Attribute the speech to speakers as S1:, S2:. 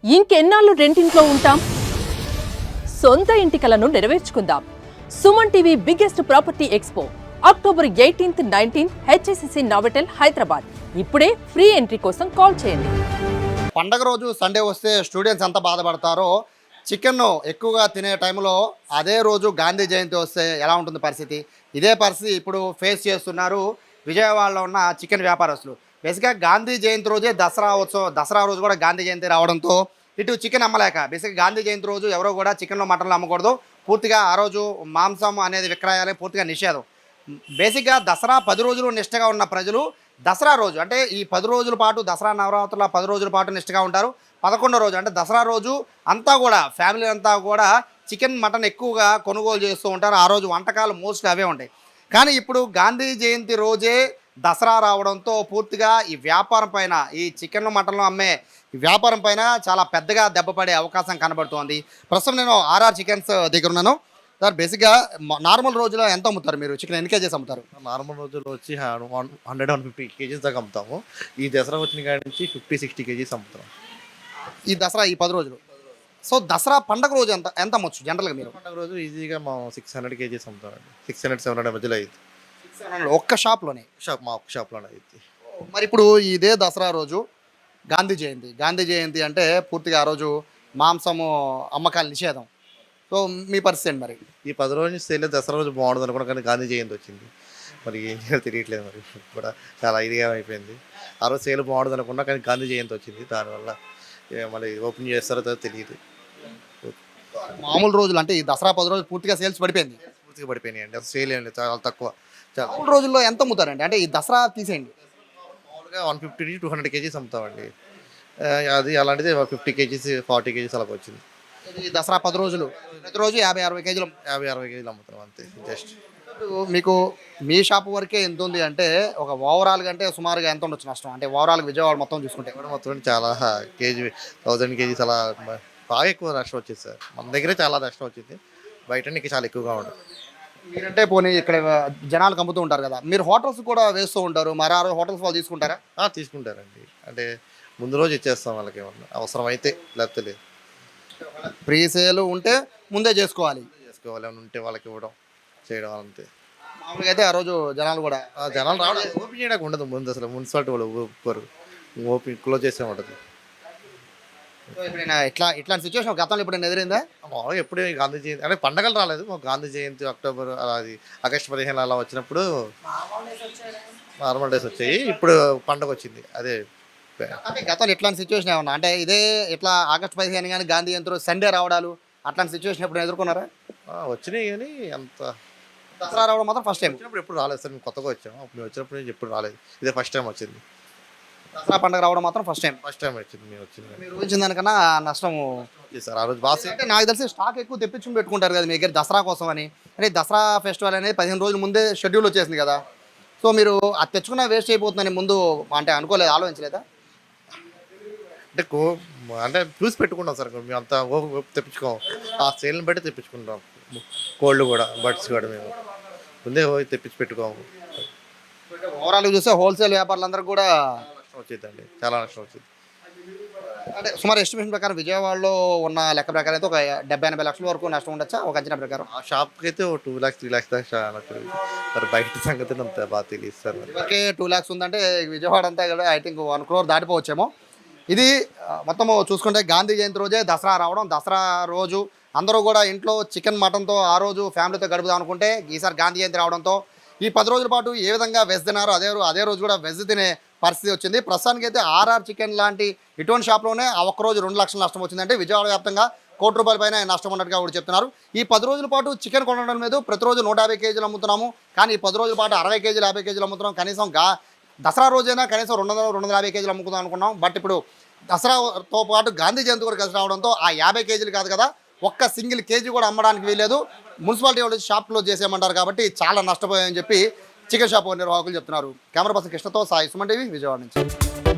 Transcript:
S1: ఇంకెన్నాళ్ళు రెంటింట్లో ఉంటాం? సొంత ఇంటి కలను నెరవేర్చుకుందాం. Suman TV biggest property expo October 18th, 19th HSCC Novotel Hyderabad. ఇప్పుడే ఫ్రీ ఎంట్రీ కోసం కాల్ చేయండి.
S2: పండగ రోజు సండే వస్తే స్టూడెంట్స్ ఎంత బాధపడతారో, చికెన్ ఎక్కువగా తినే టైంలో అదే రోజు గాంధీ జయంతి వస్తే ఎలా ఉంటుంది పరిస్థితి? ఇదే పరిస్థితి ఇప్పుడు ఫేస్ చేస్తున్నారు విజయవాడలో ఉన్న చికెన్ వ్యాపారస్తులు. బేసిక్గా గాంధీ జయంతి రోజే దసరా రోజు కూడా గాంధీ జయంతి రావడంతో ఇటు చికెన్ అమ్మలేక బేసిక్గా గాంధీ జయంతి రోజు ఎవరో కూడా చికెన్లో మటన్లు అమ్మకూడదు, పూర్తిగా ఆ రోజు మాంసం అనేది విక్రయాలే పూర్తిగా నిషేధం. బేసిక్గా దసరా 10 రోజులు నిష్టగా ఉన్న ప్రజలు దసరా రోజు అంటే ఈ 10 రోజుల పాటు దసరా నవరాత్రుల 10 రోజుల పాటు నిష్టగా ఉంటారు. 11వ రోజు అంటే దసరా రోజు అంతా కూడా ఫ్యామిలీ అంతా కూడా చికెన్ మటన్ ఎక్కువగా కొనుగోలు చేస్తూ ఉంటారు. ఆ రోజు వంటకాలు మోస్ట్లీ అవే ఉంటాయి. కానీ ఇప్పుడు గాంధీ జయంతి రోజే దసరా రావడంతో పూర్తిగా ఈ వ్యాపారం పైన, ఈ చికెన్ మటన్లు అమ్మే ఈ వ్యాపారం పైన చాలా పెద్దగా దెబ్బపడే అవకాశం కనబడుతోంది. ప్రస్తుతం నేను ఆర్ఆర్ చికెన్స్ దగ్గర ఉన్నాను. సార్, బేసిక్గా నార్మల్ రోజులో ఎంత అమ్ముతారు మీరు? చికెన్ ఎన్ని కేజీస్ అమ్ముతారు?
S3: నార్మల్ రోజుల్లో వచ్చి 100-150 కేజీస్ దాకా అమ్ముతాము. ఈ దసరా వచ్చిన కాడి నుంచి 50-60 కేజీస్ అమ్ముతాం.
S2: ఈ దసరా ఈ 10 రోజులు. సో దసరా పండగ రోజు ఎంత అమ్మొచ్చు జనరల్గా మీరు?
S3: పండగ రోజు ఈజీగా మా 600 కేజీస్ అమ్ముతామండి. 600-700 మధ్యలో అయింది.
S2: ఒక్క షాప్లోనే?
S3: మా ఒక్క షాప్లోనే అయింది.
S2: మరి ఇప్పుడు ఇదే దసరా రోజు గాంధీ జయంతి అంటే పూర్తిగా ఆ రోజు మాంసము అమ్మకాలు నిషేధం. సో మీ పరిస్థితి ఏంటి మరి?
S3: ఈ 10 రోజులు సేల్ దసరా రోజు బాగుంటుంది అనుకున్నా, కానీ గాంధీ జయంతి వచ్చింది. మరి ఏం చేయాలో తెలియట్లేదు. మరి కూడా చాలా ఇదిగా అయిపోయింది. ఆ రోజు సేల్ బాగుంటుంది అనుకున్నా, కానీ గాంధీ జయంతి వచ్చింది. దానివల్ల మళ్ళీ ఓపెన్ చేస్తారో తెలియదు.
S2: మామూలు రోజులు అంటే ఈ దసరా 10 రోజులు పూర్తిగా సేల్స్ పడిపోయింది.
S3: పూర్తిగా పడిపోయినాయి అండి. అసలు సేల్ ఏం లేదు, చాలా తక్కువ.
S2: మామూలు రోజుల్లో ఎంత అమ్ముతారండి? అంటే ఈ దసరా తీసేయండి,
S3: మామూలుగా 150-200 కేజీస్ అమ్ముతామండి. అది అలాంటిది 50 కేజీస్ 40 కేజీస్ అలాగ వచ్చింది.
S2: ఈ దసరా 10 రోజులు ప్రతిరోజు 50-60 కేజీలు
S3: 50-60 కేజీలు అమ్ముతాం అంతే. జస్ట్
S2: మీకు మీ షాప్ వరకే ఎంత ఉంది అంటే ఒక ఓవరాల్గా అంటే సుమారుగా ఎంత ఉండొచ్చు నష్టం? అంటే ఓవరాల్గా విజయవాడ మొత్తం చూసుకుంటే
S3: మొత్తం చాలా కేజీ 1000 కేజీస్ అలా బాగా ఎక్కువ నష్టం వచ్చింది సార్. మన దగ్గరే చాలా నష్టం వచ్చింది. బయట ఇంకా చాలా ఎక్కువగా ఉంటుంది.
S2: మీరంటే పోనీ ఇక్కడ జనాలకు అమ్ముతూ ఉంటారు కదా, మీరు హోటల్స్ కూడా వేస్తూ ఉంటారు, మరి ఆ హోటల్స్ వాళ్ళు తీసుకుంటారా?
S3: తీసుకుంటారండి. అంటే ముందు రోజు ఇచ్చేస్తాం వాళ్ళకి, ఏమన్నా అవసరం అయితే, లేకపోతే లేదు.
S2: ప్రీ సేల్ ఉంటే ముందే చేసుకోవాలి
S3: ఏమైనా ఉంటే వాళ్ళకి ఇవ్వడం చేయడం అంతే.
S2: మామూలుగా అయితే ఆ రోజు జనాలు కూడా
S3: జనాలు రావడం ఓపెన్ చేయడానికి ఉండదు. ముందు అసలు మున్సిపాలిటీ వాళ్ళు ఒప్పుకోరు, ఓపెన్ క్లోజ్ చేసే ఉంటుంది.
S2: ఎప్పుడైనా ఇట్లాంటి సిచ్యువేషన్ గతంలో ఎప్పుడైనా ఎదిరిందా?
S3: మామూలుగా ఎప్పుడే గాంధీ జయంతి అంటే పండగలు రాలేదు. మాకు గాంధీ జయంతి అక్టోబర్ అది ఆగస్టు 15 అలా వచ్చినప్పుడు నార్మల్ డేస్ వచ్చాయి. ఇప్పుడు పండగ వచ్చింది. అదే
S2: అంటే గతంలో ఇట్లాంటి సిచ్యువేషన్ ఏమన్నా అంటే ఇదే ఇట్లా ఆగస్టు 15 కానీ గాంధీ జయంతి రోజు సండే రావడాలు అట్లాంటి సిచ్యువేషన్ ఎప్పుడు ఎదుర్కొన్నారా?
S3: వచ్చినాయి, కానీ అంత
S2: దసరా రావడం మాత్రం ఫస్ట్ టైం.
S3: వచ్చినప్పుడు ఎప్పుడు రాలేదు సార్. మేము కొత్తగా వచ్చాము. అప్పుడు మేము వచ్చినప్పుడు నుంచి ఎప్పుడు రాలేదు. ఇదే ఫస్ట్ టైం వచ్చింది.
S2: దసరా పండుగ రావడం మాత్రం ఫస్ట్ టైం
S3: వచ్చింది. మేము వచ్చింది.
S2: మీరు ఊహించిన దానికన్నా నష్టం
S3: సార్. ఆ రోజు బాగా
S2: అంటే నాకు తెలిసి స్టాక్ ఎక్కువ తెప్పించుకుని పెట్టుకుంటారు కదా మీ దగ్గర దసరా కోసం అని. అంటే దసరా ఫెస్టివల్ అనేది 15 రోజుల ముందే షెడ్యూల్ వచ్చేసింది కదా. సో మీరు అది తెచ్చుకున్న వేస్ట్ అయిపోతుందని ముందు అంటే అనుకోలేదు, ఆలోచించలేదా?
S3: అంటే చూసి పెట్టుకుంటాం సార్. మేము అంతా తెప్పించుకోం. ఆ సేల్ని బట్టి తెప్పించుకుంటాం. కోల్డ్ కూడా బడ్స్ కూడా మేము ముందే తెప్పించి పెట్టుకోము.
S2: ఓవరాల్గా చూస్తే హోల్సేల్ వ్యాపారులందరికీ కూడా
S3: నష్టం వచ్చిందండి, చాలా నష్టం వచ్చింది.
S2: అంటే సుమారు ఎస్టిమేషన్ ప్రకారం విజయవాడలో ఉన్న లెక్క ప్రకారం అయితే ఒక 70-80 లక్షల వరకు నష్టం ఉండొచ్చా ఒక అంచనా ప్రకారం?
S3: ఆ షాప్కి అయితే 2 lakhs 3 lakhs దాకా మరి బయట సంగతి అంత బాగా తెలియదు సార్.
S2: ఇవరకే 2 lakhs ఉందంటే విజయవాడ అంతా కూడా ఐ థింక్ 1 crore దాటిపోవచ్చేమో. ఇది మొత్తము చూసుకుంటే గాంధీ జయంతి రోజే దసరా రావడం, దసరా రోజు అందరూ కూడా ఇంట్లో చికెన్ మటన్తో ఆ రోజు ఫ్యామిలీతో గడుపుదాం అనుకుంటే ఈసారి గాంధీ జయంతి రావడంతో ఈ 10 రోజుల పాటు ఏ విధంగా వెజ్ తినారో అదే రోజు కూడా వెజ్ తినే పరిస్థితి వచ్చింది. ప్రస్తుతానికి అయితే ఆర్ఆర్ చికెన్ లాంటి ఇటువంటి షాప్లోనే ఆ ఒక్క రోజు 2 లక్షల నష్టం వచ్చిందంటే విజయవాడ వ్యాప్తంగా ₹1 పైన నష్టం ఉన్నట్టుగా కూడా చెప్తున్నారు. ఈ 10 రోజుల పాటు చికెన్ కొనడం మీద ప్రతిరోజు 150 కేజీలు అమ్ముతున్నాము, కానీ ఈ 10 రోజుల పాటు 60 కేజీలు 50 కేజీలు అమ్ముతున్నాం. కనీసం దసరా రోజైనా కనీసం 200-250 కేజీలు అమ్ముకుందాం అనుకున్నాం. బట్ ఇప్పుడు దసరాతో పాటు గాంధీ జయంతి కూడా కలిసి రావడంతో ఆ 50 కేజీలు కాదు కదా, ఒక్క సింగిల్ కేజీ కూడా అమ్మడానికి వీలేదు. మున్సిపాలిటీ వాళ్ళు షాప్ క్లోజ్ చేసేయమంటారు కాబట్టి చాలా నష్టపోయాయని చెప్పి చికెన్ షాప్ నిర్వాహకులు చెప్తున్నారు. కెమెరా పర్సన్ కృష్ణతో సాయి, సుమన్ టీవీ, విజయవాడ నుంచి.